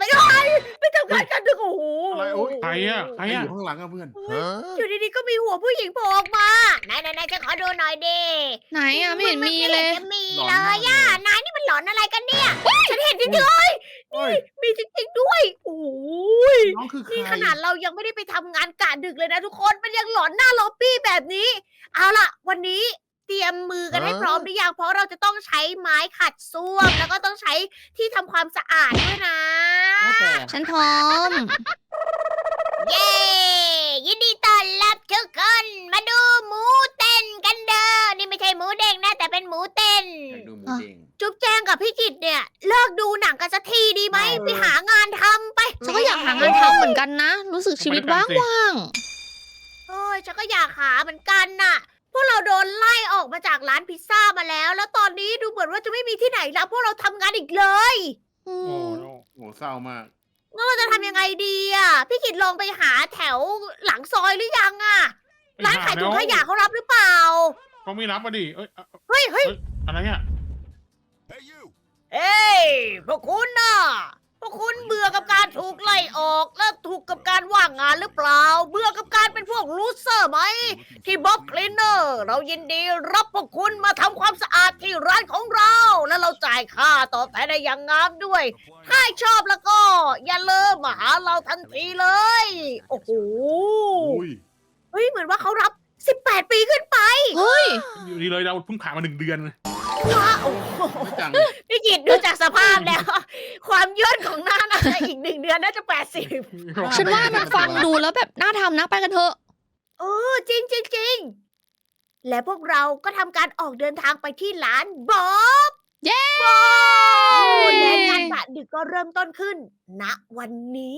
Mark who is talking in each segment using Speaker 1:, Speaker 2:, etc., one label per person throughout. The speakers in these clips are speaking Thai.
Speaker 1: อะไรกันไม่ทำงานกันดึกโอ้โห
Speaker 2: อะไรโอ๊ย
Speaker 3: ใครอะใคร
Speaker 2: อ
Speaker 3: อะ
Speaker 2: ยู่ข้างหลังอะเพื่อน
Speaker 1: อยู่ดีๆก็มีหัวผู้หญิงโผล่ออกมาไหนๆๆจะขอดูหน่อยดิ
Speaker 4: ไหนอ่ะไม่เห็นมีเลย
Speaker 1: จะมี
Speaker 2: หลอน
Speaker 1: เล
Speaker 2: มาก
Speaker 1: ย
Speaker 2: เลย
Speaker 1: อ่ะนายนี่มันหลอนอะไรกันเนี่ยฉันเห็นจริง
Speaker 2: เฮ้ย
Speaker 1: ๆมีจริงๆด้วยโอ้ย
Speaker 2: น้องคือใคร
Speaker 1: นี่ขนาดเรายังไม่ได้ไปทำงานกะดึกเลยนะทุกคนมันยังหลอนหน้าล็อบบี้แบบนี้ เอาล่ะ วันนี้เตรียมมือกันให้พร้อมหรือยังเพราะเราจะต้องใช้ไม้ขัดส้วมแล้วก็ต้องใช้ที่ทำความสะอาดด้วยนะ
Speaker 2: ว่าแต่
Speaker 4: ฉันพร้อม
Speaker 1: เย้ ยินดีต้อนรับทุกคนมาดูหมูเต้นกันเด้อ นี่ไม่ใช่หมูเด้งนะ แต่เป็นหมูเต้น
Speaker 2: อยากดูหมูเด้ง
Speaker 1: จุ๊บแจงกับพี่กิตเนี่ย เลิกดูหนังกันสักทีดีไหม
Speaker 2: เออ
Speaker 1: ไปหางานทำไป
Speaker 4: ฉันก็อยากหางานทำเหมือนกันนะ รู้สึกชีวิตว่าง
Speaker 1: เอ้ยฉันก็อยากหาเหมือนกันน่ะ พวกเราโดนไล่ออกมาจากร้านพิซซ่ามาแล้ว แล้วตอนนี้ดูเหมือนว่าจะไม่มีที่ไหนแล้วพวกเราทำงานอีกเลย
Speaker 4: ๆอื
Speaker 3: โอ้
Speaker 4: ม
Speaker 3: โห
Speaker 2: โหเศร้ามาก
Speaker 1: งั้นเราจะทำยังไงดีอ่ะ พี่กิตลองไปหาแถวหลังซอยหรือยังอ่ะ ร้านขายถุงขยะเขารับหรือเปล่า
Speaker 3: เขาไม่รับมาดิเอ้ย
Speaker 1: เฮ้ย
Speaker 3: อะไรอะ
Speaker 1: เอ้ยพวกคุณน่ะ พวกคุณเบื่อกับการถูกไล่ออกและถูกกับการว่างงานหรือเปล่า เบื่อกับการเป็นพวกลูเซอร์ไหม ที่บ๊อบคลีนเนอร์เรายินดีรับพวกคุณมาทำความสะอาดที่ร้านของเรา และเราจ่ายค่าตอบแทนได้อย่างงามด้วย ถ้าชอบแล้วก็ อย่าลืมมาหาเราทันทีเลย โอ้โห
Speaker 2: อุ้ย
Speaker 1: เฮ้ยเหมือนว่าเขารับ 18 ปีขึ้นไป
Speaker 4: เฮ้ย
Speaker 3: อยู่ดีเลยเราเพิ่งผ่านมา1 เดือนเลย
Speaker 1: ว้าวโอ้โห
Speaker 2: ไม่จัง
Speaker 1: พี่กิตดูจากสภาพแล้ว ความยืดของหน้าน่าจะอีก1 เดือนน่าจะ 80
Speaker 4: ฉันว่ามันฟังดูแล้วแบบน่าทำนะไปกันเถอะ
Speaker 1: เออจริงจริงจริงและพวกเราก็ทำการออกเดินทางไปที่ร้านบ๊อบ
Speaker 4: เย้
Speaker 1: และงานกะดึกก็เริ่มต้นขึ้น ณวันนี้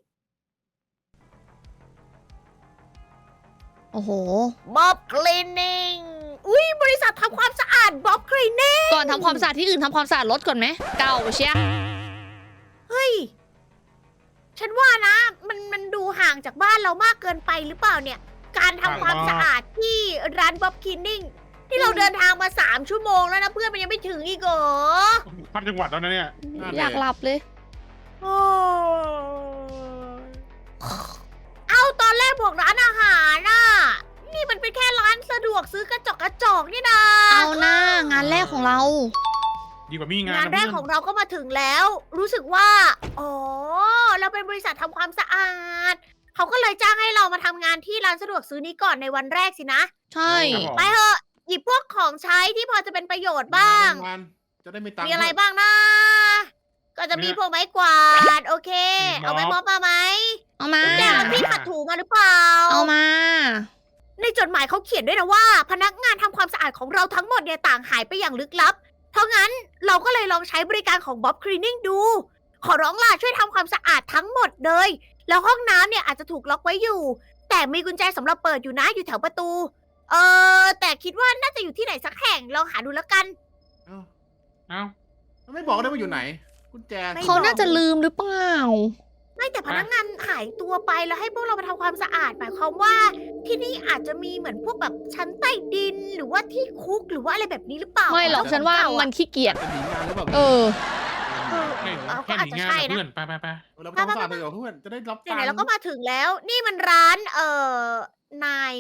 Speaker 4: โอ้โห
Speaker 1: บ๊อบคลีนนิ่งอุ้ยบริษัททำความสะอาดบ๊อบคลีนนิ่ง
Speaker 4: ก่อนทำความสะอาดที่อื่นทำความสะอาดรถก่อนไหมเก่าเชีย
Speaker 1: เฮ้ย ฉันว่านะ มันดูห่างจากบ้านเรามากเกินไปหรือเปล่าเนี่ย การทำความสะอาดที่ร้านบ๊อบคลีนนิ่งที่เราเดินทางมา3 ชั่วโมงแล้วนะเพื่อนมันยังไม่ถึงอีกเหรอ
Speaker 3: พัดจังหวัดแล้วนะเนี่ย
Speaker 4: อยากหลับเลย
Speaker 1: โอ้ยเอาตอนแรกบอกร้านอาหารน่ะ นี่มันเป็นแค่ร้านสะดวกซื้อกระจอกนี่นะ
Speaker 4: เอาหน้างานแรกของเรา
Speaker 3: ดีกว่ามีงาน
Speaker 1: งาน
Speaker 3: นะ
Speaker 1: แร
Speaker 3: เพื่
Speaker 1: ก
Speaker 3: อน
Speaker 1: ของเราก็มาถึงแล้ว รู้สึกว่า อ๋อ เราเป็นบริษัททำความสะอาด เขาก็เลยจ้างให้เรามาทำงานที่ร้านสะดวกซื้อนี้ก่อนในวันแรกสินะ
Speaker 4: ใช่
Speaker 3: ครับผม
Speaker 1: ไปเถอะหยิบพวกของใช้ที่พอจะเป็นประโยชน์บ้าง
Speaker 2: งานจะได้ไม่ตังค์
Speaker 1: มีอะไรบ้างนะ ก็จะมีพวกไม้กวาด โอเค เอาไม้ม็อบมาไหม
Speaker 4: เอามา
Speaker 1: แกมันพี่ขัดถูมาหรือเปล่า
Speaker 4: เอามา
Speaker 1: ในจดหมายเขาเขียนด้วยนะว่า พนักงานทำความสะอาดของเราทั้งหมดเนี่ยต่างหายไปอย่างลึกลับ เพราะงั้นเราก็เลยลองใช้บริการของบ๊อบคลีนนิ่งดู ขอร้องล่ะช่วยทำความสะอาดทั้งหมดเลย แล้วห้องน้ำเนี่ยอาจจะถูกล็อกไว้อยู่ แต่มีกุญแจสำหรับเปิดอยู่นะอยู่แถวประตู แต่คิดว่าน่าจะอยู่ที่ไหนสักแห่งลองหาดูแล้วกัน
Speaker 2: เอ้า
Speaker 3: เอ้า
Speaker 2: ไม่บอกได้ว่าอยู่ไหน กุญแจ
Speaker 1: ไม่
Speaker 4: เขาน่าจะลืมหรือเปล่า
Speaker 1: ไม่แต่พนักงานหายตัวไปแล้วให้พวกเรามาทำความสะอาดหมายความว่า ที่นี่อาจจะมีเหมือนพวกแบบชั้นใต้ดินหรือว่าที่คุกหรือว่าอะไรแบบนี้หรือเปล่า
Speaker 4: ไม่หรอกฉันว่ามันขี้เกียจ
Speaker 2: จะหนีงานหรือเปล่า
Speaker 4: เออ
Speaker 1: เออ
Speaker 3: แค่
Speaker 1: เราก็
Speaker 3: แค่
Speaker 1: อาจ
Speaker 3: หนี
Speaker 1: จะ
Speaker 3: งาน
Speaker 1: ใช่
Speaker 3: นะ
Speaker 1: นะ
Speaker 3: เพื่อนไป
Speaker 2: เราไปทำความสะอาดไปกับเพื่อนจะได้รับตัง
Speaker 1: ไหน
Speaker 2: ค์
Speaker 1: ๆเราก็มาถึงแล้ว นี่มันร้านนาย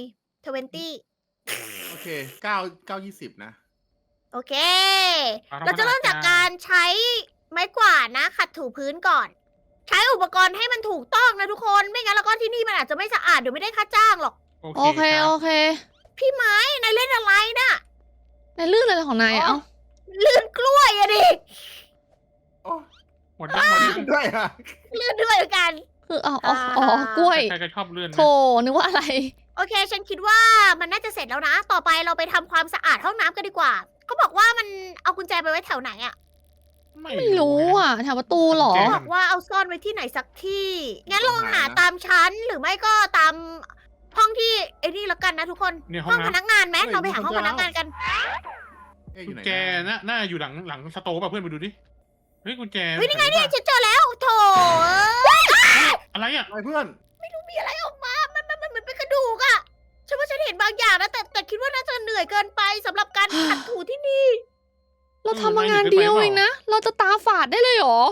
Speaker 1: 20
Speaker 2: โอเค9 20นะ
Speaker 1: โอเค เราจะเริ่มจากการใช้ไม้กวาดนะ ขัดถูพื้นก่อน ใช้อุปกรณ์ให้มันถูกต้องนะทุกคน ไม่งั้นแล้วก็ที่นี่มันอาจจะไม่สะอาดเดี๋ยวไม่ได้ค่าจ้างหรอก
Speaker 4: โอเค โอเค
Speaker 1: พี่ไม้นายเล่นอะไรน่ะ
Speaker 4: ในเรื่องอะไรของนายอะเอ้า
Speaker 1: ลื่นกล้วยอะดิ
Speaker 2: โอ้
Speaker 3: หมดยังหมดยัง
Speaker 2: ด้วยอะ
Speaker 1: ลื่นด้วยเหมือนกัน
Speaker 4: คืออ๋อกล้วย
Speaker 3: ใครก็ชอบเลื่อนนะ
Speaker 4: โถนึกว่าอะไร
Speaker 1: โอเค ฉันคิดว่ามันน่าจะเสร็จแล้วนะ ต่อไปเราไปทำความสะอาดห้องน้ำกันดีกว่า เขาบอกว่ามันเอากุญแจไปไว้แถวไหนอะ
Speaker 4: ไม่รู้อ่ะแถวประตูเหรอ
Speaker 1: บอกว่าเอาซ่อนไว้ที่ไหนสักที่ งั้นลองหาตามชั้นหรือไม่ก็ตามห้องที่ไอ้นี่แล้วกันนะทุกคน
Speaker 3: เนี่ยห้
Speaker 1: ห้
Speaker 3: อ
Speaker 1: อง งพ
Speaker 3: น้ำ
Speaker 1: นักงานไหมเราไปหาห้องพนักงานกัน
Speaker 2: อยู่ไหน
Speaker 3: กุญแจน่าอยู่หลังสโตร์ป่ะเพื่อนไปดูดิ เฮ้ยกุญแจ
Speaker 1: เฮ้ยนี่ไงเนี่ยฉันเจอแล้วโถ
Speaker 3: อะไรอ่ะ
Speaker 2: อะไรเพื่อน
Speaker 1: มีอะไรออกมา มันเป็นกระดูกอะฉันว่าฉันเห็นบางอย่างนะแต่คิดว่าน่าจะเหนื่อยเกินไปสำหรับการขัดถูที่นี่
Speaker 4: เราทำมางานเดียวเองนะ เราจะตาฝาดได้เลยเหรอ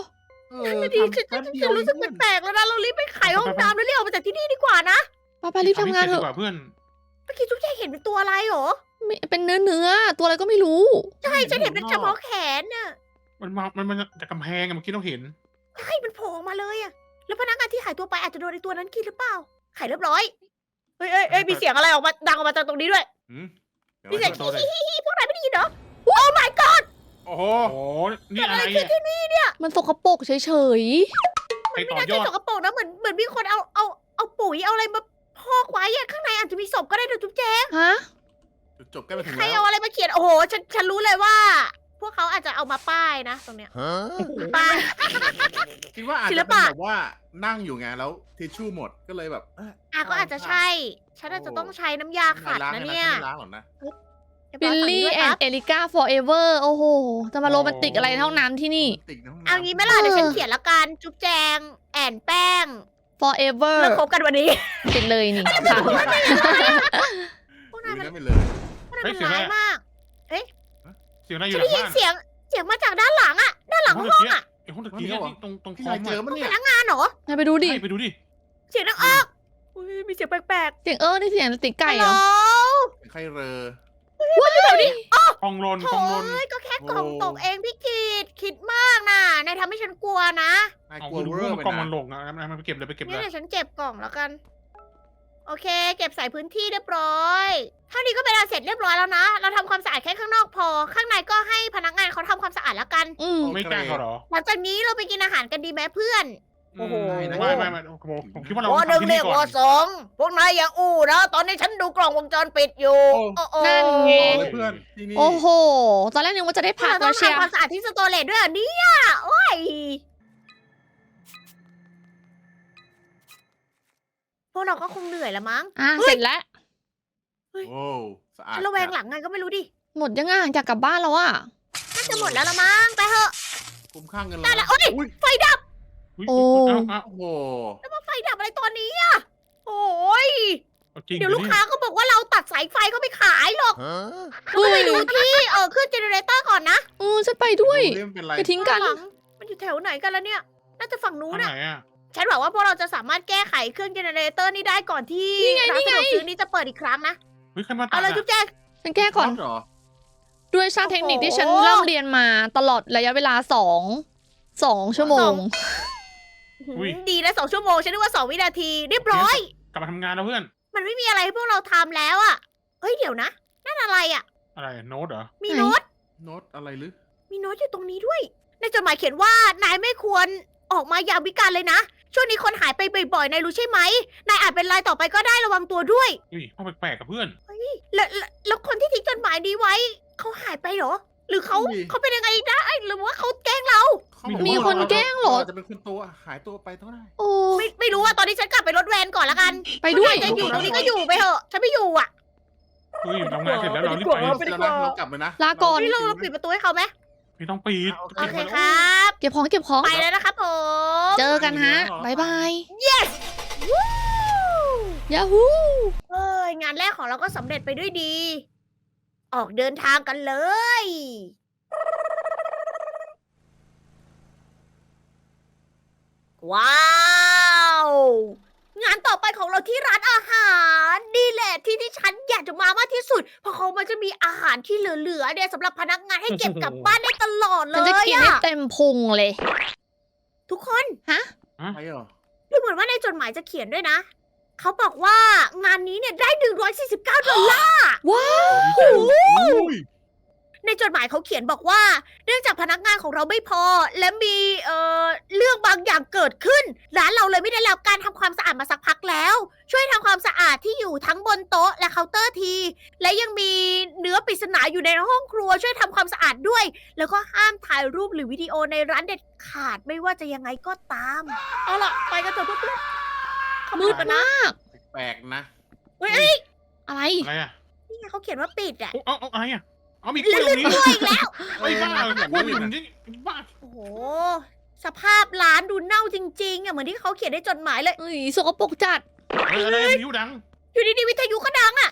Speaker 1: นั่นดีฉัน
Speaker 2: แป๊บเดี
Speaker 1: ฉั
Speaker 2: ยวน
Speaker 1: รู้สึก
Speaker 2: เพื่อน
Speaker 1: แปลกๆแล้วนะเรารีบไปไขห้องน้ำแล้วรีบออกมาจากที่นี่ดีกว่านะ
Speaker 4: ไปรีบทำงานเถ
Speaker 3: ดี
Speaker 4: อะ
Speaker 3: กว่าเพื่อน
Speaker 1: เมื่อกี้ทุกอย่างเห็นเป็นตัวอะไรหรอ
Speaker 4: ไม่เป็นเนื้อตัวอะไรก็ไม่รู้
Speaker 1: ใช่ฉันเห็นเป็นเฉพาะแขนน่ะ
Speaker 3: มันจากกำแพงอะเมื่อกี้เราเห็น
Speaker 1: ใช่มันโผล่ออกมาเลยอะแล้วพนักงานที่หายตัวไปอาจจะโดนไอ้ตัวนั้นกินหรือเปล่าไขเรียบร้อยเฮ้ยมีเสียงอะไรออกมาดังออกมาจากตรงนี้ด้วย
Speaker 2: หืมเดี๋ยว
Speaker 1: มีเสียง
Speaker 3: ตัวอะไร
Speaker 1: ฮิพวกนายไม่ได้ยินเหรอ Oh my god
Speaker 2: โอ้โห
Speaker 3: โอ้นี่
Speaker 1: เกิด
Speaker 3: อะ
Speaker 1: อะไร
Speaker 3: ไร
Speaker 1: ขึ้น
Speaker 3: อะ
Speaker 1: ที่นี่เนี่ย
Speaker 4: มันสกปรกเฉย
Speaker 3: ไป
Speaker 1: ไม่
Speaker 3: ต่อ
Speaker 1: น่าย
Speaker 3: อ
Speaker 1: จะ
Speaker 3: ด
Speaker 1: สกปรกนะเหมือนมีคนเอาปุ๋ยเอาอะไรมาพอกไว้อะข้างในอาจจะมีศพก็ได้นะจุ๊บแจ๊ก
Speaker 4: ๆฮะ
Speaker 2: จุดจบใกล้มาถึง
Speaker 1: ใคร
Speaker 2: แล้ว
Speaker 1: เอาอะไรมาเขียนโอ้โหฉันรู้เลยว่า พวกเขาอาจจะเอามาป้ายนะตรงเนี้ยป้าย
Speaker 2: คิดว่าอาจ
Speaker 1: ศิล
Speaker 2: จะเป็น
Speaker 1: ปะ
Speaker 2: แบบว่านั่งอยู่ไงแล้วทิชชู่หมดก็เลยแบบ
Speaker 1: ก็อาจจะใช่ ฉันอาจจะต้องใช้น้ำยาขัด
Speaker 2: ล้าง
Speaker 1: นะ
Speaker 2: ให้
Speaker 1: เนี่ย
Speaker 2: ไม่ล้างหรอกนะ
Speaker 4: บิลลี่แอนด์เอลิก้า forever โอ้โห จะมาโรแมนติกอะไรเท่านั้นที่นี่
Speaker 2: ติดในห้องน้ำ
Speaker 1: เอางี้ไหมล่ะเดี๋ยวฉันเขียนละกันจุ๊บแจงแอนแป้ง
Speaker 4: forever
Speaker 1: เลิกคบกันวันนี้
Speaker 4: ติดเลยนี่ค่ะ
Speaker 1: พวก
Speaker 2: ดู
Speaker 1: นายมัน
Speaker 2: นั้นไปเลย
Speaker 1: พวกนายมันร้ายมาก
Speaker 3: เสียงอะไรอ
Speaker 1: ฉั
Speaker 3: ยู่
Speaker 1: น
Speaker 3: หลั
Speaker 1: ได้
Speaker 3: ง
Speaker 1: ยิน
Speaker 3: บ้าน
Speaker 1: เสียงมาจากด้านหลังอะด้านหลังห้องอะ
Speaker 3: ไอ้ห้องตะกี้นี่ตรงค
Speaker 2: พี่
Speaker 3: อม
Speaker 2: นายเจอ
Speaker 3: อะ
Speaker 2: มั้ย
Speaker 1: พ
Speaker 2: เนี่ย
Speaker 1: นักงานเหรอน
Speaker 4: ายไปดูดิ
Speaker 3: ไปดูดิ
Speaker 1: เสียงดังออกอุ๊ยมีเสียงแปลก
Speaker 4: เสียงนี่เสียงติด
Speaker 1: ๆ
Speaker 4: ไก่
Speaker 1: ฮัล
Speaker 4: เห
Speaker 1: โห
Speaker 4: ร
Speaker 1: ล
Speaker 4: อ
Speaker 2: ใครเรอ
Speaker 3: กองลน
Speaker 1: โถ่
Speaker 3: กองลน
Speaker 1: เอ้ยก็แค่กล่อง
Speaker 2: โอ้
Speaker 1: ตกเองพี่กีดคิดมากนะนายทำให้ฉันกลัวนะ
Speaker 2: นาย
Speaker 3: เอา
Speaker 2: กลัว
Speaker 3: ดู
Speaker 2: เวอ
Speaker 3: ว่า
Speaker 2: ร์
Speaker 3: มัน
Speaker 2: ไป
Speaker 3: กองมั
Speaker 2: นะ
Speaker 3: นหลงอะมันไปเก็บเลยไปเก็บเล
Speaker 1: นี่
Speaker 3: ย
Speaker 1: เดี๋ยวฉันเก็บกล่องแล้วกัน โอเค เก็บใส่พื้นที่เรียบร้อยเท่านี้ก็เป็นอันเสร็จเรียบร้อยแล้วนะ เราทำความสะอาดแค่ข้างนอกพอ ข้างในก็ให้พนักงานเขาทำความสะอาดแล้วกัน
Speaker 4: อืม
Speaker 3: ไม่กล้าเขาเหรอ
Speaker 1: หลังจากนี้เราไปกินอาหารกันดีไหมเพื่อน โอ้โห
Speaker 3: ไม่ผมคิดว่าเรา
Speaker 1: วอหนึ่ง
Speaker 3: ทำที่
Speaker 1: เรี
Speaker 3: นี่
Speaker 1: ยก
Speaker 3: ก่
Speaker 1: ว
Speaker 3: อ
Speaker 1: อน สองพวกนายอย่าอู้นะ ตอนนี้ฉันดูกล้องวงจรปิดอยู่โอ้โห
Speaker 4: นั่นไง
Speaker 2: ต่อเลยเพื่อนที่นี่
Speaker 4: โอ้โห ตอนแรกนึกว่าจะได้พัก
Speaker 1: เราต้
Speaker 4: แล้
Speaker 1: อ
Speaker 4: ว
Speaker 1: ง
Speaker 4: เชีย
Speaker 1: ทำความสะอาดที่สโตอเรจด้วยเหรอเนี่ยโอ้ยพวกเราก็คงเหนื่อยละมั้ง
Speaker 4: เสร็จแล้ว
Speaker 2: โอ้สะอาด
Speaker 1: ฉันระแวงหลังไงก็ไม่รู้ดิ
Speaker 4: หมดยังอ่ะอยากกลับบ้านแล้วอ่ะ
Speaker 1: น่าจะหมดแล้วละมั้ง ไปเถอะ
Speaker 2: คุ้มค่าเงิน
Speaker 1: ได้แล้วโอ้ย
Speaker 2: อุ้ย
Speaker 1: ไฟดับ
Speaker 4: โอ้
Speaker 2: โอ้โห
Speaker 1: แล้วมาไฟดับอะไรตอนนี้อะโอ้ย
Speaker 3: จริง
Speaker 1: เดี๋ยวลูกค้าก็บอกว่าเราตัดสายไฟเขาไปขายหรอกเราไปดูที่เครื่องเจเนเรเตอร์ก่อนนะ
Speaker 4: ฉันไปด้วย
Speaker 2: เรื่องเป็นไร
Speaker 4: จะทิ้งกัน
Speaker 1: ข้าหลัมันอยู่แถวไหนกันแล้วเนี่ย น่าจะฝั่งนู้น
Speaker 3: ไหน
Speaker 1: อะ
Speaker 3: อะ
Speaker 1: ฉันหวังว่าพวกเราจะสามารถแก้ไขเครื่องเจเนเรเตอร์นี้ได้ก่อนที่
Speaker 4: นี่ไง
Speaker 1: ร้านสะดวกซื้อนี้จะเปิดอีกครั้งนะ
Speaker 3: เฮ้ยใครมาตั
Speaker 1: เอา
Speaker 3: ด
Speaker 1: เลย
Speaker 3: อะ
Speaker 1: จุ๊บแจง
Speaker 4: ฉันแก้ก่อน
Speaker 2: เหรอ
Speaker 4: ด้วยช่างเทคนิคที่ฉัน
Speaker 1: โอ้โห
Speaker 4: เริ่มเรียนมาตลอดระยะเวลา2 ชั่วโมง
Speaker 1: ดีนะ2 ชั่วโมงฉันนึกว่า2 วินาทีเรียบร้อย
Speaker 3: กลับมาทำงานแล้วเพื่อน
Speaker 1: มันไม่มีอะไรให้พวกเราทำแล้วอะเฮ้ยเดี๋ยวนะนั่นอะไรอะ
Speaker 3: อะไรโน้ตเหรอ
Speaker 1: มี
Speaker 4: ไหน
Speaker 1: โน้ต
Speaker 2: โน้ตอะไรหรือ
Speaker 1: มีโน้ตอยู่ตรงนี้ด้วย ในจดหมายเขียนว่านายไม่ควรออกมายามวิกาลเลยนะ ช่วงนี้คนหายไปบ่อยๆ นายรู้ใช่ไหม นายอาจเป็นรายต่อไปก็ได้ระวังตัวด้วย
Speaker 3: อุ้ยห้องแปลกๆกับเพื่อน
Speaker 1: แล้วคนที่ทิ้งจดหมายนี้ไว้ เขาหายไปเหรอ หรือเขาเป็นยังไงได้หรือว่าเขาแกล้งเรา
Speaker 2: เขาบอก
Speaker 4: มี
Speaker 2: ว่า
Speaker 4: คนแกล้งเหรอ
Speaker 2: าจะเป็นคนตัวหายตัวไปเท่าไหร่
Speaker 4: โอ้
Speaker 1: ไม่รู้อะตอนนี้ฉันกลับไปรถแวนก่อนละกัน
Speaker 4: ไปด้วย
Speaker 1: ถ้านายจะอยู่ตรงนี้ก็อยู่ไปเถอะ ฉันไม่อยู่อะ
Speaker 3: เฮ้ยทำงานเสร็จแล้วเรารีบไป
Speaker 1: ไปดี
Speaker 2: แล้ว
Speaker 1: กว่า
Speaker 2: นะเรากลับเลยนะ
Speaker 4: ลาก่อน
Speaker 1: นี่เราปิดประตูให้เขาไหม
Speaker 3: ไม่ต้องปิด
Speaker 1: โอเคครับ
Speaker 4: เก็บของเก็บของ
Speaker 1: ไปแล้วนะครับผม
Speaker 4: เจอกันฮะบายบาย
Speaker 1: yes วู้
Speaker 4: ยาฮู
Speaker 1: เอ้ยงานแรกของเราก็สำเร็จไปด้วยดี ออกเดินทางกันเลย ว้าว งานต่อไปของเราที่ร้านอาหารนี่แหละที่ฉันอยากจะมามากที่สุด เพราะเขามันจะมีอาหารที่เหลือๆเนี่ยสำหรับพนักงานให้เก็บกลับบ้านได้ตลอดเล
Speaker 4: ฉันจะ
Speaker 1: ย
Speaker 4: กินให้
Speaker 1: อะ
Speaker 4: เต็มพุงเลย
Speaker 1: ทุกคน
Speaker 2: ไปเหรอ
Speaker 1: ดูเหมือนว่าในจดหมายจะเขียนด้วยนะ เขาบอกว่างานนี้เนี่ยได้$149
Speaker 4: ว้าว
Speaker 2: อุ้ย
Speaker 1: ในจดหมายเขาเขียนบอกว่า เนื่องจากพนักงานของเราไม่พอ และมีเรื่องบางอย่างเกิดขึ้น ร้านเราเลยไม่ได้รับการทำความสะอาดมาสักพักแล้ว ช่วยทำความสะอาดที่อยู่ทั้งบนโต๊ะและเคาน์เตอร์ที และยังมีเนื้อปริศนาอยู่ในห้องครัวช่วยทำความสะอาดด้วย แล้วก็ห้ามถ่ายรูปหรือวิดีโอในร้านเด็ดขาดไม่ว่าจะยังไงก็ตาม เอาล่ะไปกันเถอะเพื่อนๆเข้า
Speaker 4: มืด
Speaker 1: กันนะ
Speaker 4: มาก
Speaker 2: แปลกนะ
Speaker 1: เฮ้ย
Speaker 4: อะไร
Speaker 3: อะไรอะ
Speaker 1: นี่ไงเขาเขียนว่าปิดอ่ะ
Speaker 3: เอาอะไรอะเอามีกล้วยตรงนี้
Speaker 1: ด้วยอีกแล้ว
Speaker 3: ไอ้บ้ากล้วยมันนี่บ้า
Speaker 1: โอ้โห สภาพร้านดูเน่าจริงๆอ่ะเหมือนที่เขาเขียนในจดหมายเลย
Speaker 4: เอ้ยสกปรกจัด
Speaker 3: อะไรวิวดัง
Speaker 1: อยู่ดีๆวิทยุก็ดังอ่ะ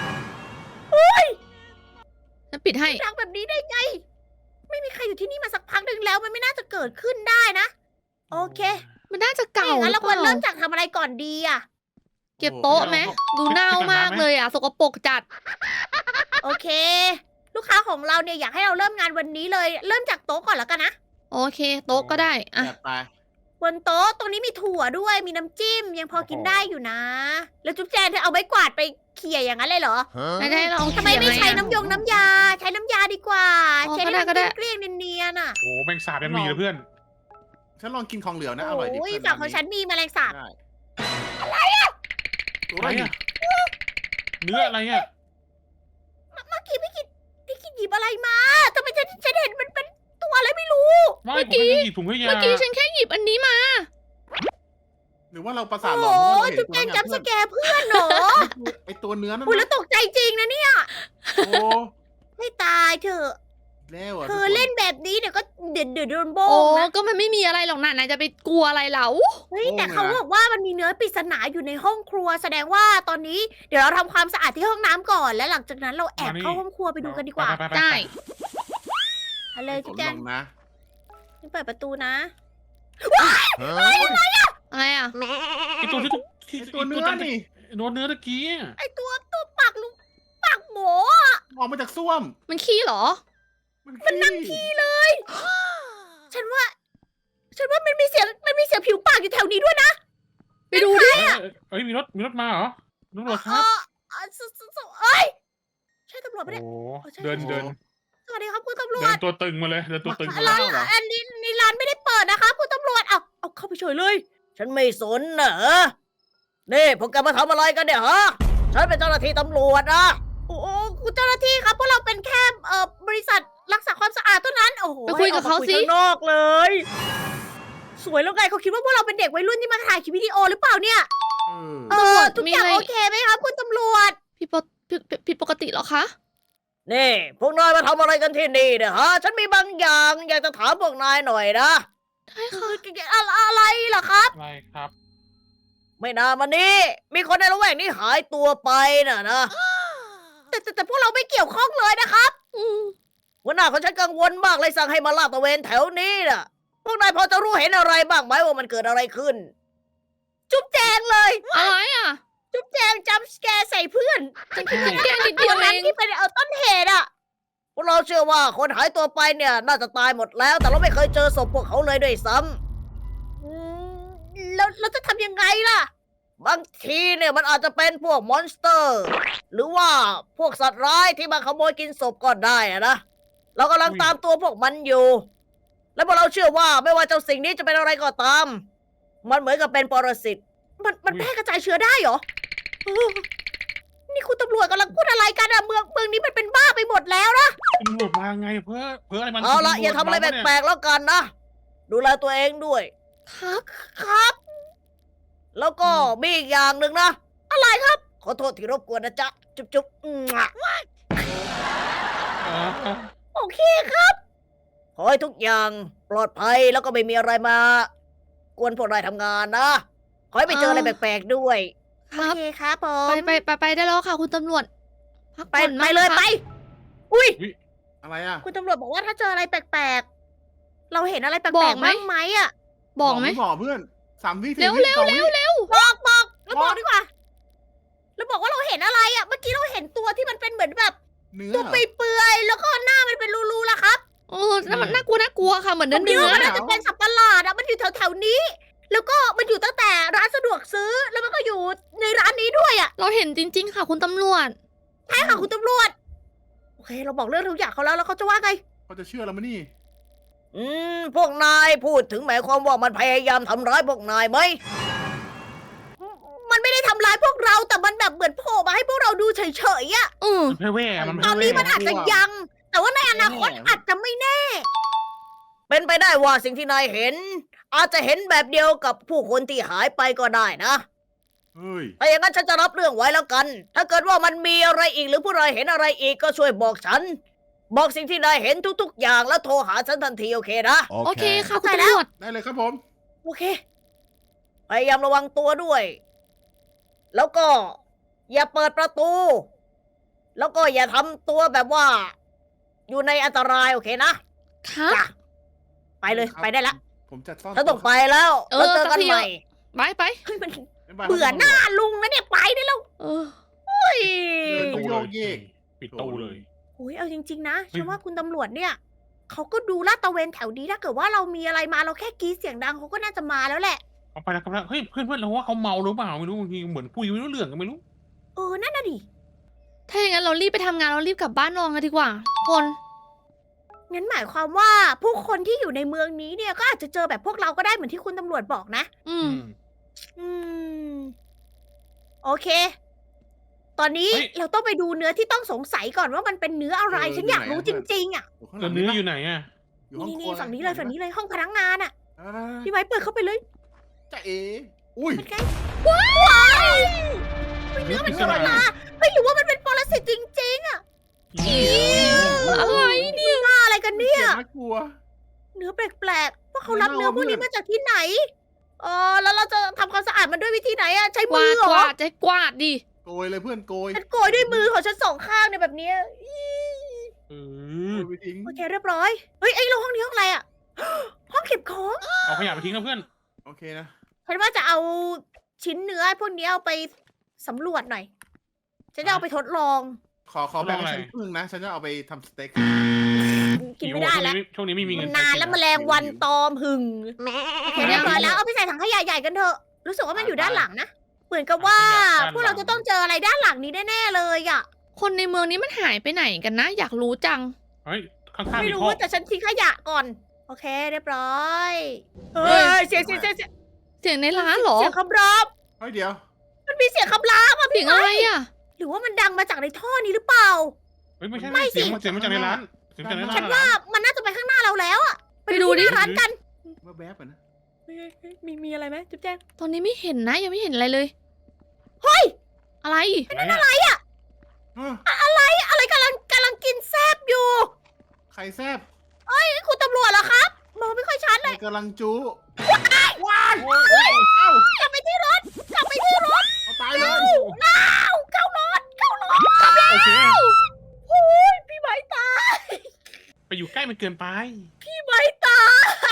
Speaker 4: ฉันปิดให้
Speaker 1: ดังแบบนี้ได้ไง ไม่มีใครอยู่ที่นี่มาสักพักหนึ่งแล้วมันไม่น่าจะเกิดขึ้นได้นะโอเค
Speaker 4: มันน่าจะเก่า
Speaker 1: งั้น
Speaker 4: หรื
Speaker 1: เรา
Speaker 4: อ
Speaker 1: ค
Speaker 4: เป
Speaker 1: วร
Speaker 4: ล่า
Speaker 1: เริ่มจากทำอะไรก่อนดีอะ
Speaker 4: เก็บโต๊ะไหมดูเน่ามากเลยอ่ะ สกปรกจัด
Speaker 1: โอเค ลูกค้าของเราเนี่ยอยากให้เราเริ่มงานวันนี้เลย เริ่มจากโต๊ะก่อนแล้วกันนะ
Speaker 4: โอเค โต๊ะก็ได้อ่ะ
Speaker 2: แบบไป
Speaker 1: บนโต๊ะตรงนี้มีถั่วด้วยมีน้ำจิ้มยังพอกินได้อยู่นะ แล้วจุ๊บแจนเธอเอาไม้กวาดไปเขี่ยอย่างนั้นเลยเหรอ
Speaker 4: ไม่ได้เรา
Speaker 1: ทำไมไม่ใช้น้ำยงน้ำยา ใช้น้ำยาดีกว่า
Speaker 4: อ๋อ
Speaker 1: ใช้ให้มัน
Speaker 4: ก็ได้
Speaker 1: เกลี้ยงๆเนียนๆอ่ะ
Speaker 3: โอ้แมงสาบยังมีเลยเพื่อน
Speaker 2: ฉันลองกินของเหลวนะ อร่อยดี
Speaker 1: โอ้ย
Speaker 2: เพื่
Speaker 1: ฝั่งของฉันมีแมลงสาบ
Speaker 2: ได้
Speaker 3: อะ
Speaker 2: อะไร
Speaker 3: ไร
Speaker 2: อ่ะ
Speaker 3: เนื้ออะไรอ่ะ
Speaker 1: เมื่อกี้พี่กินหยิบอะไรมาทำไมฉันเห็นมันเป็นตัวอะไรไม่รู้
Speaker 3: ไม่ผมไม่ได้หยิบถุงขยะ
Speaker 4: เมื่อกี้ฉันแค่หยิบอันนี้มา
Speaker 2: หรือว่าเราประสาท
Speaker 1: โอ้
Speaker 2: หลอนเพราะว่าเราเห็น
Speaker 1: จุ๊บ
Speaker 2: ตัว
Speaker 1: แจ
Speaker 2: นั้น น
Speaker 1: จำส
Speaker 2: เพื่อน
Speaker 1: แกร์เพื่อนเหรอ
Speaker 2: ไอตัวเนื้อนั่น
Speaker 1: คุณแล้
Speaker 2: นะ
Speaker 1: วตกใจจริงนะเนี่ย
Speaker 2: โอ้
Speaker 1: ให้ตายเถอะ
Speaker 2: แล้วอ่ะ
Speaker 1: เธอเล่นแบบนี้เดี๋ยวก็เดือดโดนโบ
Speaker 4: โอ้
Speaker 1: งนะ
Speaker 4: ก็มันไม่มีอะไรหรอกนะนายจะไปกลัวอะไรเหล่า
Speaker 1: เฮ้ยแต่เขาบอกว่ามันมีเนื้อปริศนาอยู่ในห้องครัว แสดงว่าตอนนี้เดี๋ยวเราทำความสะอาดที่ห้องน้ำก่อน และหลังจากนั้นเราแอบเข้าห้องครัวไปดูกันดีกว่า
Speaker 3: ไปๆๆๆ
Speaker 4: ได้
Speaker 1: เอาเลย
Speaker 2: ก
Speaker 1: จุ๊
Speaker 2: ด
Speaker 1: บแจ
Speaker 2: ล
Speaker 1: ง
Speaker 2: งนะ
Speaker 1: นี่เปิดประตูนะ
Speaker 4: อะไรอ่ะ
Speaker 3: ไอตัวที่
Speaker 2: ไอตัวเนื้อนี่
Speaker 3: เนื้อตะกี้อะ
Speaker 1: ไอตัวปากลุงปากหมู
Speaker 2: ออกมาจากส้วม
Speaker 4: มันขี้เหรอ
Speaker 1: มันนั่งขี้เลย ฉันว่ามันมีเสียงผิวปากอยู่แถวนี้ด้วยนะ
Speaker 4: ไปดูดิ
Speaker 3: เอ้ยมีรถมาเหรอตำรวจค
Speaker 1: เอ
Speaker 3: รับ
Speaker 1: เอ้ยใช่ตำรวจปะเนี่ย
Speaker 3: โอ้
Speaker 1: ใช่
Speaker 3: เดิน
Speaker 1: สวัสดีครับคุณตำรว
Speaker 3: เดิ
Speaker 1: จ
Speaker 3: นตัวตึงมาเลยเดินตัวตึงมาเล
Speaker 1: ร้าน
Speaker 3: ย
Speaker 1: อันนี้ในร้านไม่ได้เปิดนะคะคุณตำรวจเอาเข้าไปเฉยเลย ฉันไม่สนนะนี่พวกแกมาทำอะไรกันเนี่ยฮะฉันเป็นเจ้าหน้าที่ตำรวจนะโอ้คุณเจ้าหน้าที่ครับพวกเราเป็นแค่บริษัทรักษาความสะอาดเท่านั้นโอ้โห
Speaker 4: ไปคุยกับเขาสิ
Speaker 1: ให้ออกมคุยข้างนอกเลย สวยแล้วไงเขาคิดว่าพวกเราเป็นเด็กวัยรุ่นที่มาถ่ายคลิปวิดีโอหรือเปล่าเนี่ย
Speaker 2: เออ
Speaker 1: ทุกอย่างโอเคไหมครับคุณตำรวจ
Speaker 4: ผิดปกติเหรอคะ
Speaker 1: นี่พวกนายมาทำอะไรกันที่นี่เนี่ยฮะ ฉันมีบางอย่าง อยากจะถามพวกนายหน่อยนะ
Speaker 4: ได้ค่ะ
Speaker 1: อะไรเหรอครับ
Speaker 3: อะไรครับ
Speaker 1: ไม่นานมานี้มีคนในละแวกนี้หายตัวไปน่ะนะ แต่พวกเราไม่เกี่ยวข้องเลยนะครับ
Speaker 4: อืม
Speaker 1: หัวหน้าของฉันกังวลมากเลยสั่งให้มาลาดตระเวนแถวนี้น่ะ พวกนายพอจะรู้เห็นอะไรบ้างไหมว่ามันเกิดอะไรขึ้น จุ๊บแจงเลย
Speaker 4: อะไรอ่ะ
Speaker 1: จุ๊บแจงจัมป์สแกร์ใส่เพื่อน
Speaker 4: แค่นิด
Speaker 1: ตั
Speaker 4: เดียว ว
Speaker 1: นั้น
Speaker 4: เอง
Speaker 1: ที่เป็นต้นเหตุอ่ะ พวกเราเชื่อว่าคนหายตัวไปเนี่ยน่าจะตายหมดแล้ว แต่เราไม่เคยเจอศพพวกเขาเลยด้วยซ้ำแล้วเราจะทำยังไงล่ะ บางทีเนี่ยมันอาจจะเป็นพวกมอนสเตอร์ หรือว่าพวกสัตว์ร้ายที่มาขโมยกินศพก็ได้อะนะ เรากำลังตามตัวพวกมันอยู่ และพวกเราเชื่อว่าไม่ว่าเจ้าสิ่งนี้จะเป็นอะไรก็ตาม มันเหมือนกับเป็นปรสิต มันแพร่กระจายเชื้อได้เหรอเออนี่คุณตำรวจกำลังพูดอะไรกันอะเมืองนี้มันเป็นบ้าไปหมดแล้วนะ
Speaker 3: ตำรวจมาไงเพื่ออะไรมัน
Speaker 1: เอาละอย่าทำอะไรแปลกๆแล้วกันนะ ดูแลตัวเองด้วย
Speaker 4: ครับ
Speaker 1: ครับ แล้วก็มีอีกอย่างหนึ่งนะ อะไรครับ ขอโทษที่รบกวนนะจ๊ะ จุ๊บโอเคครับ ขอให้ทุกอย่างปลอดภัยแล้วก็ไม่มีอะไรมากวนพวกนายทำงานนะ ขอให้ไปเจออะไรแปลกๆด้วย
Speaker 4: ค
Speaker 1: โอ
Speaker 4: รับ
Speaker 1: เคครับผม
Speaker 4: ไปได้แล้วค่ะคุณตำรวจ พัก
Speaker 1: ไป
Speaker 4: ผ่อน
Speaker 1: ไป
Speaker 4: มาก
Speaker 1: เลย
Speaker 4: นะคะ
Speaker 1: ไป อุ้ย
Speaker 2: อะไรอ่ะ
Speaker 1: คุณตำรวจบอกว่าถ้าเจออะไรแปลกๆ เราเห็นอะไรแปลกๆบ้างไหมอะ
Speaker 4: บอกไหม
Speaker 2: บอกเพื่อน3 วิ
Speaker 4: เร็ว
Speaker 2: 4 วิ
Speaker 4: เร็ว
Speaker 2: 2
Speaker 4: เร็ว
Speaker 2: วิ
Speaker 4: เร็ว
Speaker 1: บอกแล้วบอกดีกว่า แล้วบอกว่าเราเห็นอะไรอะเมื่อกี้เราเห็นตัวที่มันเป็นเหมือนแบบ
Speaker 2: เนื้อ
Speaker 1: ตัว
Speaker 2: เหรอ
Speaker 1: เปื่อยๆแล้วก็หน้ามันเป็นรูๆล่ะครับ
Speaker 4: เออนั่นมันน่ากลัวค่ะ เหมือน
Speaker 1: ผมคิด
Speaker 4: เนื้อ
Speaker 1: ว่ามัน
Speaker 2: หร
Speaker 1: น่าจะเป็นสัตว์ประหลาดอะมันอยู่แถวๆนี้ แล้วก็มันอยู่ตั้งแต่ร้านสะดวกซื้อ แล้วมันก็อยู่ในร้านนี้ด้วยอะ
Speaker 4: เราเห็นจริง ๆ ค่ะคุณตำรวจ
Speaker 1: ใช่ค่ะคุณตำรวจ โอเค เราบอกเรื่องทุกอย่างเขาแล้วเขาจะว่าไง
Speaker 2: เขาจะเชื่อเราไหมนี่
Speaker 1: พวกนายพูดถึงหมายความว่ามันพยายามทำร้ายพวกนายไหม มันไม่ได้ทำร้ายพวกเรา แต่มันแบบเหมือนโผล่มาให้พวกเราดูเฉยๆอะ
Speaker 4: อืม
Speaker 3: มันแว่ๆมัน
Speaker 1: ตอนนี้มันอาจจะยัง แต่ว่าในอนาคตอาจจะไม่แน่ เป็นไปได้ว่าสิ่งที่นายเห็น อาจจะเห็นแบบเดียวกับผู้คนที่หายไปก็ได้นะ
Speaker 2: เฮ้ย
Speaker 1: ถ้าอย่างนั้นฉันจะรับเรื่องไว้แล้วกัน ถ้าเกิดว่ามันมีอะไรอีกหรือผู้ใดเห็นอะไรอีกก็ช่วยบอกฉัน บอกสิ่งที่นายเห็นทุกๆ อย่างแล้วโทรหาฉันทันทีโอเคนะ
Speaker 4: โอเคค่ะคุณ
Speaker 1: เข้าใจแล้
Speaker 4: ตำร
Speaker 1: ว
Speaker 4: วจ
Speaker 2: ได้เลยครับผม
Speaker 1: โอเค พยายามระวังตัวด้วย แล้วก็อย่าเปิดประตู แล้วก็อย่าทำตัวแบบว่า อยู่ในอันตรายโอเคนะ
Speaker 4: ครับ
Speaker 1: จ้ะไปเลย
Speaker 2: ครับ
Speaker 1: ไปได้ละ
Speaker 2: ผผมจัดซ่อน
Speaker 1: ฉันต้องไปแล้ว
Speaker 4: เออ
Speaker 1: แล้วเจอกัน
Speaker 4: สักที
Speaker 1: ใหม่
Speaker 4: ไป
Speaker 1: เฮ้ยมัน
Speaker 2: บ๊ายบาย
Speaker 1: เบื่อหน้าลุงนะเนี่ยไปได้แล้ว
Speaker 4: เออ
Speaker 1: เฮ้ย
Speaker 2: เดินโยกเยก
Speaker 3: ปิดตู้เลย
Speaker 1: โอ้ยเอาจริงๆนะ
Speaker 3: เฮ้ย
Speaker 1: ฉันว่าคุณตำรวจเนี่ยเขาก็ดูลาดตระเวนแถวนี้ถ้าเกิดว่าเรามีอะไรมาเราแค่กรีดเสียงดังเขาก็น่าจะมาแล้วแหละ
Speaker 3: เอาไปแล้วครับเฮ้ยเพื่อนเราว่าเขาเมาหรือเปล่าไม่รู้บางทีเหมือนคุยไม่รู้เรื่องกันไม่รู้
Speaker 1: เออนั่นน่ะดิ
Speaker 4: ถ้าอย่างนั้นเรารีบไปทำงานเรารีบกลับบ้านนอนกันดีกว่า คน
Speaker 1: งั้นหมายความว่าผู้คนที่อยู่ในเมืองนี้เนี่ยก็อาจจะเจอแบบพวกเราก็ได้เหมือนที่คุณตำรวจบอกนะ
Speaker 4: อืม
Speaker 1: อืม โอเค ตอนนี้เราต้องไปดูเนื้อที่ต้องสงสัยก่อนว่ามันเป็นเนื้ออะไร ฉันอยากรู้จริงๆอ่ะ
Speaker 2: อยู่ข้างห
Speaker 3: แล้
Speaker 2: ลั
Speaker 3: ว
Speaker 2: ง
Speaker 3: เนื้อ
Speaker 2: ปะ
Speaker 3: อยู่ไหนอ่ะ
Speaker 2: อยู่ห้อง
Speaker 1: นี่
Speaker 2: ครัว
Speaker 1: ฝั่งนี้เลยฝั่งนี้เลยห้องพนักงานอ่ะ
Speaker 2: อ่า
Speaker 1: พี่ไม้เปิดเข้าไปเลย
Speaker 2: จะเออุ้ย
Speaker 1: มันไงว้าวเนื้อมัน
Speaker 3: เนื้
Speaker 1: เนื้
Speaker 3: อ
Speaker 1: อ
Speaker 3: ปริศนา
Speaker 1: มาไม่รู้ว่ามันเป็นปรสิตจริงๆอ่ะ
Speaker 4: อะไรเนี่ย
Speaker 1: ว่าอะไรกันเนี่ย
Speaker 2: น่ากลัว
Speaker 1: เนื้อแปลกๆว่าเขารับเนื้อพวกนี้มาจากที่ไหนแล้วเราจะทำความสะอาดมันด้วยวิธีไหนอะใช้
Speaker 4: ก
Speaker 1: มื
Speaker 4: วา
Speaker 1: อ
Speaker 4: ด
Speaker 1: เหร
Speaker 4: ก
Speaker 1: อ
Speaker 4: วาดใจกวาดดิ
Speaker 2: โกยเลยเพื่อนโกย
Speaker 1: ฉันโกยด้วยมือของฉันสองข้างเนี่ยแบบเนี้ย
Speaker 3: เอ
Speaker 2: โก
Speaker 3: อย
Speaker 2: ไปทิ้ง
Speaker 1: โอเคเรียบร้อย เฮ้ยไอ้โรงห้องนี้ห้องอะไรอะ ห้องเก็บของ
Speaker 3: เอาขยะไปทิ้งนะเพื่อน
Speaker 2: โอเคนะ
Speaker 1: ฉันว่าจะเอาชิ้นเนื้อพวกนี้เอาไปสำรวจหน่อย ฉันจะเอาไปทดลอง
Speaker 2: ขอแบ่งให้ฉันครึ่งนะ ฉันจะเอาไปทำสเต็ก
Speaker 1: กินไม่ได้แล้ว
Speaker 3: ช่วงนี้ไม่มีเงิ
Speaker 1: มัน นนานแล้วแมลงวันตอมหึงโอเคเรียบร้อยแล้วเอาไปใส่ถังขยะใหญ่กันเถอะ รู้สึกว่ามันอยู่ด้านหลังนะ เหมือนกับว่าพวกเราจะต้องเจออะไรด้านหลังนี้แน่ๆเลยอะ
Speaker 4: คนในเมืองนี้มันหายไปไหนกันนะ อยากรู้จัง
Speaker 3: เฮ้ยข้างๆ
Speaker 1: ไม่
Speaker 3: มี
Speaker 1: รู้
Speaker 3: ท่อ
Speaker 1: แต่ฉันทิ้งขยะก่อน โอเคเรียบร้อย
Speaker 4: เฮ้
Speaker 1: เฮ้
Speaker 4: ย
Speaker 1: ยเสียง
Speaker 4: เสียงในร้านเหรอ
Speaker 1: เสียงคำราม
Speaker 2: เฮ้ยเดี๋ยว
Speaker 1: มันมีเสียงคำรามอ่ะ
Speaker 4: เสียงอะไรอ่ะ
Speaker 1: หรือว่ามันดังมาจากในท่อนี้หรือเปล่า
Speaker 3: เฮ้ยไม่ใช่
Speaker 1: ไม่สิ
Speaker 3: เสียงมาจากในร้านเสียงจากในร้าน
Speaker 1: ฉันว่ามันน่าจะไปข้างหน้าเราแล้วอ่ะ
Speaker 4: ไปดูดิ
Speaker 1: ที่หน้าร้านกัน
Speaker 2: เมื่อแวบอะนะ
Speaker 1: เฮ้ยมีอะไรไหมจุ๊บแจ๊ง
Speaker 4: ตอนนี้ไม่เห็นนะ ยังไม่เห็นอะไรเลย
Speaker 1: เฮ้ย
Speaker 3: อ
Speaker 4: อะไร
Speaker 3: ะไรอ่ะ
Speaker 1: อะไรกำลังกินแซบอยู่
Speaker 2: ไข่แซบ
Speaker 1: นี่คุณตำรวจเหรอครับ มองไม่ค่อยชัดเลย
Speaker 2: กำลังจู้
Speaker 3: ว้าว
Speaker 2: เอ้าก
Speaker 1: ลับไปที่รถ กลับไปที่รถ
Speaker 2: เอาตายเลย
Speaker 1: เข้ารถ
Speaker 3: โอเค
Speaker 1: โอ้ยพี่ไม้ตาย
Speaker 3: ไปอยู่ใกล้มันเกินไป
Speaker 1: พี่ไม้ตาย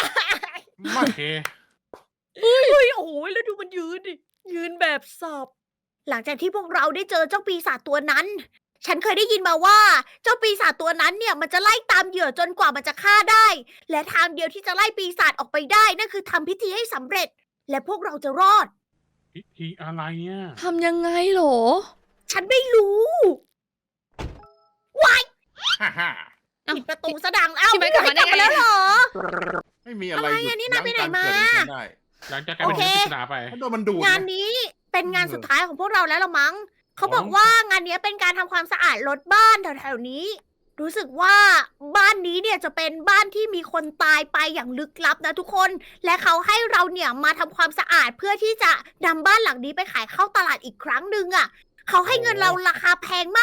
Speaker 3: โอเค
Speaker 1: เฮ้ยโอ้โหแล้วดูมันยืนดิยืนแบบสอบ หลังจากที่พวกเราได้เจอเจ้าปีศาจตัวนั้น ฉันเคยได้ยินมาว่า เจ้าปีศาจตัวนั้นเนี่ยมันจะไล่ตามเหยื่อจนกว่ามันจะฆ่าได้ และทางเดียวที่จะไล่ปีศาจออกไปได้นั่นคือทำพิธีให้สำเร็จ และพวกเราจะรอด
Speaker 3: พิธีอะไรอ่ะ
Speaker 4: ทำยังไงเหรอ
Speaker 1: ฉันไม่รู้
Speaker 2: ฮ่าฮ่า
Speaker 4: เอ้า
Speaker 1: ปิดประตูซะดังเอ้า
Speaker 4: พี่ไม้กลับมาได้ไง
Speaker 1: แล้วเหรอ
Speaker 2: ไม่มีอะไร
Speaker 1: อะไร
Speaker 2: หยุ
Speaker 1: อะ
Speaker 2: ด
Speaker 1: นี่นายไปไหน
Speaker 2: ยั้ง
Speaker 1: มา
Speaker 2: กรเกิดของฉันได้
Speaker 3: หลังจากกลายเป็น
Speaker 1: โอเค
Speaker 3: เรื่องปริศนาไป
Speaker 2: ถ้าโดนมันดูด
Speaker 1: งาน
Speaker 2: นะ
Speaker 1: นี้เป็นงานสุดท้ายของพวกเราแล้วละมั้ง เขา
Speaker 3: อ๋อ
Speaker 1: บอกว่างานนี้เป็นการทำความสะอาดรถบ้านแถวๆนี้ รู้สึกว่าบ้านนี้เนี่ยจะเป็นบ้านที่มีคนตายไปอย่างลึกลับนะทุกคน และเขาให้เราเนี่ยมาทำความสะอาดเพื่อที่จะนำบ้านหลังนี้ไปขายเข้าตลาดอีกครั้งหนึ่งอ่ะ เขาให้เงินเราราคาแพงมาก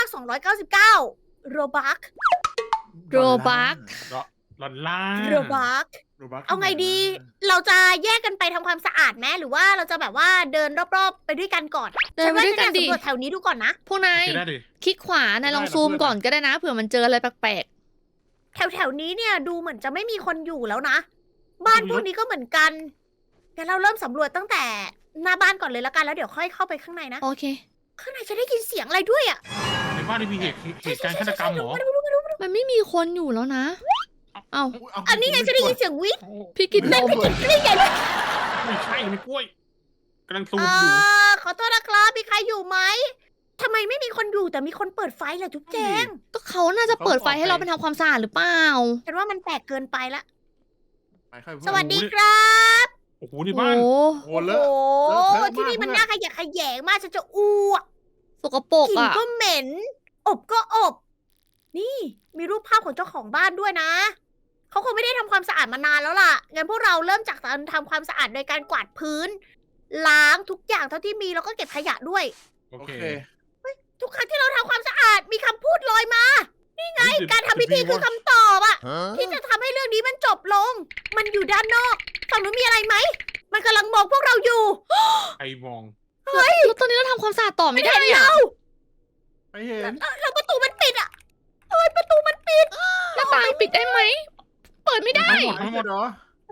Speaker 1: 299 โรบัค
Speaker 4: โรบัค
Speaker 3: หลอนล่า
Speaker 1: โรบัค
Speaker 2: โรบัค
Speaker 1: เอาไงดี เราจะแยกกันไปทำความสะอาดไหมหรือว่าเราจะแบบว่าเดินรอบๆไปด้วยกันก่อน
Speaker 4: เดินไปด้วยกัน
Speaker 1: ฉั
Speaker 4: ดิ
Speaker 1: ว่าฉันอยาสำรวจแถวนี้ดูก่อนนะ
Speaker 4: พวกนาย
Speaker 3: โอเคได้ดิ
Speaker 4: คลิกขวานายลองซูมก่อนก็ได้นะ เผื่อมันเจออะไรแปลก
Speaker 1: แถวๆนี้เนี่ยดูเหมือนจะไม่มีคนอยู่แล้วนะ บ้านพวกนี้ก็เหมือนกันงั้นเราเริ่มสำรวจตั้งแต่หน้าบ้านก่อนเลยแล้วกันแล้วเดี๋ยวค่อยเข้าไปข้างในนะ
Speaker 4: ๆ โอเค
Speaker 1: ข้างในจะได้ยินเสียงอะไรด้วยอ่ะ
Speaker 3: ในบ้านนี่มีเหตุการณ์ฆาตกรรมเหรอ
Speaker 4: มันไม่มีคนอยู่แล้วนะ เอ้า
Speaker 1: อันนี้ไงจะได้ยินเสียงวิทย์
Speaker 4: พี่กินนม
Speaker 1: นี่ไง
Speaker 3: ไม่ใช่ไม่กล้วยกำลังซูม
Speaker 1: เอ่
Speaker 3: อยู่
Speaker 1: ขอโทษนะครับมีใครอยู่ไหมทำไมไม่มีคนอยู่แต่มีคนเปิดไฟล่ะจุ๊บแจง
Speaker 4: ก็เขาน่าจะเปิดไฟให้เราไปทำความสะอาดหรือเปล่า
Speaker 1: ฉันว่ามันแปลกเกินไปละ
Speaker 2: ไปค่อยพู
Speaker 1: สวัสดีครับ
Speaker 3: โอ้โห
Speaker 4: โอ้
Speaker 3: ใน
Speaker 4: โห
Speaker 3: บ้าน
Speaker 2: โอ้เลอะ
Speaker 1: โอ้
Speaker 2: เลอะเทอะมาก
Speaker 1: ที่นี่มัน
Speaker 2: เพื่อน
Speaker 1: น่าขยะแขยงมากฉันจะอ้วก
Speaker 4: สกปรก
Speaker 1: กลิ่น
Speaker 4: อ่ะ
Speaker 1: ก็เหม็น อบก็อบ นี่มีรูปภาพของเจ้าของบ้านด้วยนะ เขาคงไม่ได้ทำความสะอาดมานานแล้วล่ะ งั้นพวกเราเริ่มจากการทำความสะอาดโดยการกวาดพื้น ล้างทุกอย่างเท่าที่มีแล้วก็เก็บขยะด้วย
Speaker 3: โอ
Speaker 2: โอ
Speaker 3: เค
Speaker 2: เค
Speaker 1: ทุกครั้งที่เราทำความสะอาดมีคำพูดลอยมา นี่ไง การทำพิธีคือคำตอบอะที่จะทำให้เรื่องนี้มันจบลง มันอยู่ด้านนอก ฝั่งนู้นมีอะไรไหม มันกำลังมองพวกเราอยู่
Speaker 3: ใครมอง
Speaker 4: แล้วตอนนี้เราทำความสะอาดต่อไม่ได้เลยอะ
Speaker 2: ไปเห็น
Speaker 1: แล้วประตูมันปิดอะเอ้ยประตูมันปิด
Speaker 4: หน้าต่างปิดได้ไหม เปิดไม่ได้
Speaker 3: ทั้งหมด
Speaker 2: เหรอ
Speaker 1: ประ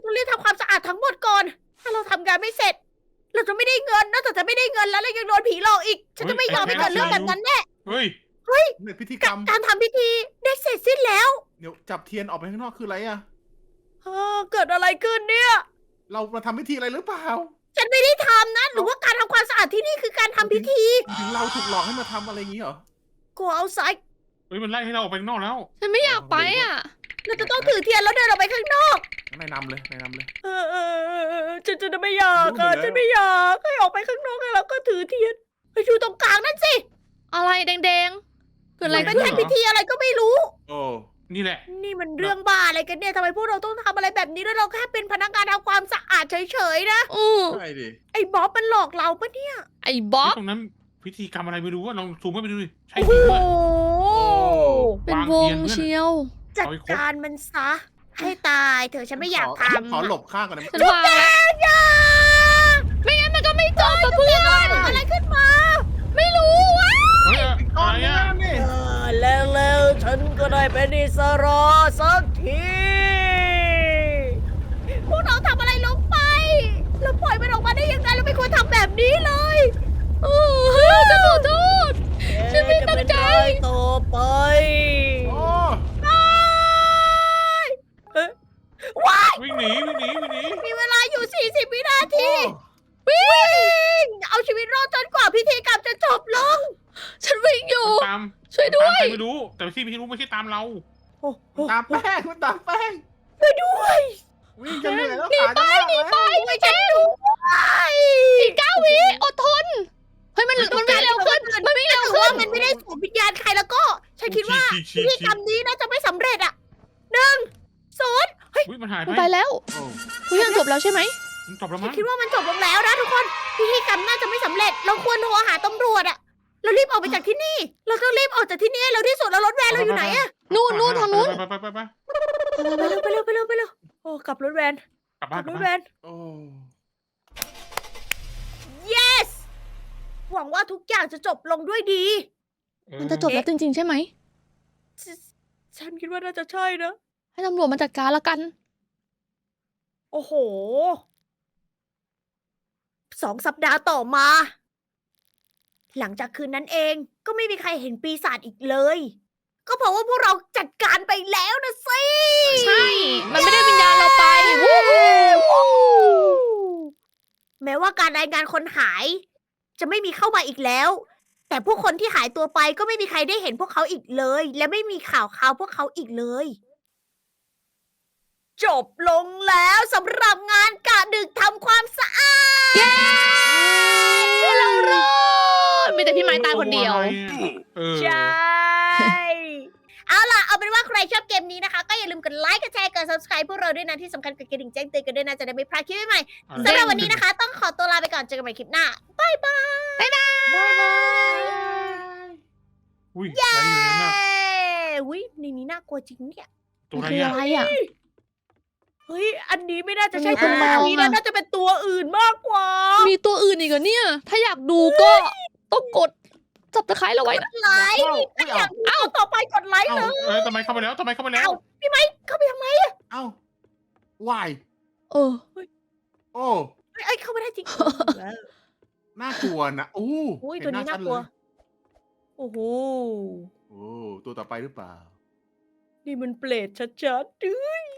Speaker 1: ต้องรีบทำความสะอาดทั้งหมดก่อน ถ้าเราทำงานไม่เสร็จ เราจะไม่ได้เงินนอกจากจะไม่ได้เงินแล้วเรายังโดนผีหลอกอีก ฉันจะไม่ยอมให้เกิดเรื่องแบบนั้นแน่
Speaker 3: เฮ้ย
Speaker 2: เนี่ยพิธีกรรม
Speaker 1: การทำพิธีได้เสร็จสิ้นแล้ว
Speaker 2: เดี๋ยวจับเทียนออกไปข้างนอกคืออะไรอะ
Speaker 1: เกิดอะไรขึ้นเนี่ย
Speaker 2: เรามาทำพิธีอะไรหรือเปล่า
Speaker 1: ฉันไม่ได้ทำนะ หรือว่าการทำความสะอาดที่นี่คือการทำพิธี
Speaker 2: ถึงเราถูกหลอกให้มาทำอะไรอย่างนี้เหรอ
Speaker 1: go outside
Speaker 3: เฮ้ยมันไล่ให้เราออกไปข้างนอกแล้ว
Speaker 4: ฉันไม่อยากไปอ่ะ
Speaker 1: เราจะต้องถือเทียนแล้วเดินออกไปข้างนอก
Speaker 2: นายนำเลยนายนำเลย
Speaker 1: ฉันจะไม่อยาก
Speaker 2: รู้อยู่แล้ว
Speaker 1: ฉันไม่อยากให้ออกไปข้างนอกแล้วก็ถือเทียนไปอยู่ตรงกลางนั่นสิ
Speaker 4: อะไรแดงๆเกิดอะไร
Speaker 1: มัน
Speaker 4: ขึ้น
Speaker 1: แค่พิธีอะไรก็ไม่รู้
Speaker 2: โอ้
Speaker 3: นี่แหละ
Speaker 1: นี่มันเรื่องบ้าอะไรกันเนี่ยทำไมพวกเราต้องทำอะไรแบบนี้ด้วยเราแค่เป็นพนักงานทำความสะอาดเฉยๆนะ
Speaker 4: อือ
Speaker 2: ใช่ดิ
Speaker 1: ไอ้บ๊อบมันหลอกเราปะเนี่ย
Speaker 4: ไอ้บ๊อบ
Speaker 3: ตรงนั้นพิธีกรรมอะไรไม่รู้ว่าลองซูมเข้าไปดูดิใช่
Speaker 1: โอ้
Speaker 3: จ
Speaker 1: โห
Speaker 3: ริงด้วย
Speaker 4: เป็นวงเชียว
Speaker 1: จัดการมันซะ ให้ตายเถอะฉันไม่อยากทำ
Speaker 2: ขอหลบข้างก่อนนะ
Speaker 4: ฉันวางแล้วไม่งั้นมันก็ไม่จบกับเพื่อน
Speaker 1: อะไรขึ้นมา
Speaker 4: ไม่รู้อ่ะ
Speaker 3: เฮ้ยอะไรอ่ะ
Speaker 2: นี่
Speaker 1: แล้วฉันก็ได้เป็นอิสระสักทีพวกเราทำอะไรลงไปเราปล่อยมันออกมาได้ยังไงเราไม่ควรทำแบบนี้เลย
Speaker 4: เออฉันขอโทษ ฉันไม่ตั้งใจ
Speaker 1: ต่อไป
Speaker 2: โอ้
Speaker 1: ว้าย
Speaker 3: วิ่งหนีวิ่งหนีวิ่งหนี
Speaker 1: มีเวลาอยู่ 40 วินาที
Speaker 2: โอ้
Speaker 1: วิ่ง เอาชีวิตรอดจนกว่าพิธีกรรมจะจบลง
Speaker 4: ฉันวิ่งอยู่
Speaker 3: ตาม
Speaker 4: ช่วยด้วย
Speaker 3: ตามใครไม่รู้ แต่ที่พี่รู้ไม่ใช่ตามเรา
Speaker 2: ตามแป้งมันตามแป้ง
Speaker 1: ช่วยด้วย
Speaker 2: วิ่งจะเหนื่อยแล้วขาจะลากแล้ว
Speaker 1: ไม่ฉันด้วย
Speaker 4: อีก9 วิอดทน เฮ้ยมันวิ่งเร็วขึ้น มันวิ่งเร็ว
Speaker 1: ถือ
Speaker 4: ขึ้
Speaker 1: ว่าน มันไม่ได้สวมวิญญาณใครแล้วก็ ฉันคิดว่าพิธีกรรมนี้น่าจะไม่สำเร็จอ่ะ1 0 เฮ้ย
Speaker 3: อุ้ยมันหาย
Speaker 4: มัน
Speaker 3: ไป
Speaker 4: ไปแล้ว
Speaker 2: โอ้
Speaker 4: ทุกอย่างจบแล้วใช่ไหม
Speaker 3: มันจบแล้ว
Speaker 1: ฉั
Speaker 3: มั้
Speaker 1: น
Speaker 3: ง
Speaker 1: คิดว่ามันจบลงแล้วนะทุกคน พิธีกรรมน่าจะไม่สำเร็จ เราควรโทรหาตำรวจอะเรารีบออกไปจากที่นี่ เราต้องรีบออกจากที่นี่ให้เร็วที่สุดแล้วรถแวนเราอยู่ไหนอะ
Speaker 4: นู่นทางนู้น
Speaker 3: ไป
Speaker 1: ไปเร็วโอ้กลับรถแวน
Speaker 3: กลับ
Speaker 1: ก
Speaker 3: บ้า
Speaker 1: ลั
Speaker 3: น
Speaker 1: บ
Speaker 3: กลั
Speaker 1: ร
Speaker 3: บ
Speaker 1: ถ
Speaker 3: บ้าน
Speaker 1: แวน
Speaker 2: โอ้
Speaker 1: yes หวังว่าทุกอย่างจะจบลงด้วยดี
Speaker 4: มันจะจบแล้วจริงๆใช่ไหม
Speaker 1: ฉันคิดว่าน่าจะใช่นะ
Speaker 4: ให้ตำรวจมาจัดการละกัน
Speaker 1: โอ้โห 2 สัปดาห์ต่อมา หลังจากคืนนั้นเองก็ไม่มีใครเห็นปีศาจอีกเลย ก็เพราะว่าพวกเราจัดการไปแล้วนะสิ
Speaker 4: ใช่ มันไม่ได้วิญญาณเราไปวู้ฮู้
Speaker 1: แม้ว่าการรายงานคนหาย จะไม่มีเข้ามาอีกแล้ว แต่ผู้คนที่หายตัวไปก็ไม่มีใครได้เห็นพวกเขาอีกเลย และไม่มีข่าวพวกเขาอีกเลย จบลงแล้วสำหรับงานกะดึกทำความสะอาด
Speaker 4: เย้เรารอดมีแต่พี่ไม้ตายคนเดียว
Speaker 3: เออ
Speaker 1: ใช่ เอาล่ะ เอาเป็นว่าใครชอบเกมนี้นะคะ ก็อย่าลืมกดไลค์ กดแชร์ กด subscribe พวกเราด้วยนะ ที่สำคัญกดกระดิ่งแจ้งเตือนกันด้วยนะ จะได้ไม่พลาดคลิปใหม่ๆสำหรับวันนี้นะคะ ต้องขอตัวลาไปก่อน เจอกันใหม่คลิปหน้า บ๊ายบาย บ๊ายบาย
Speaker 3: อุ้ยอะไรอยู่นั่นน่ะ
Speaker 1: อุ้ยในนี้น่ากลัวจริงเนี่ย
Speaker 3: ตัวอะไร
Speaker 4: คือ
Speaker 3: อ่ะ
Speaker 4: อะไรอ่ะ
Speaker 1: เฮ้ย อันนี้ไม่น่าจะใช่
Speaker 4: มัน
Speaker 1: ตัว
Speaker 4: มี
Speaker 1: นี้
Speaker 4: ตัว
Speaker 1: นะ น่าจะเป็นตัวอื่นมากกว่า
Speaker 4: มีตัวอื่นอีกเหรอเนี่ย ถ้าอยากดูก็ต้องกดจับตะไคร้เราไว้นะ
Speaker 1: ไลค์ถ้าอยากดูต่อไปกดไลค์เลย
Speaker 3: เออทำไมเข้าไปแล้วทำไมเข้าไปแล้ว
Speaker 1: เอ้าพี่ไม้เข้าไปทำไม
Speaker 2: เอ้าวาย
Speaker 4: เออ
Speaker 2: โอ้
Speaker 1: เอ้ยเข้าไม่ได้จริง
Speaker 2: น่ากลัวนะโอ้
Speaker 1: อุ้ย
Speaker 2: เห็
Speaker 1: ตัวนี้
Speaker 2: ห
Speaker 1: น่ากลัว
Speaker 2: ชัดเย
Speaker 1: โอ้โห
Speaker 2: โอ้ตัวต่อไปหรือเปล่า
Speaker 1: นี่มันเปรตชัดๆ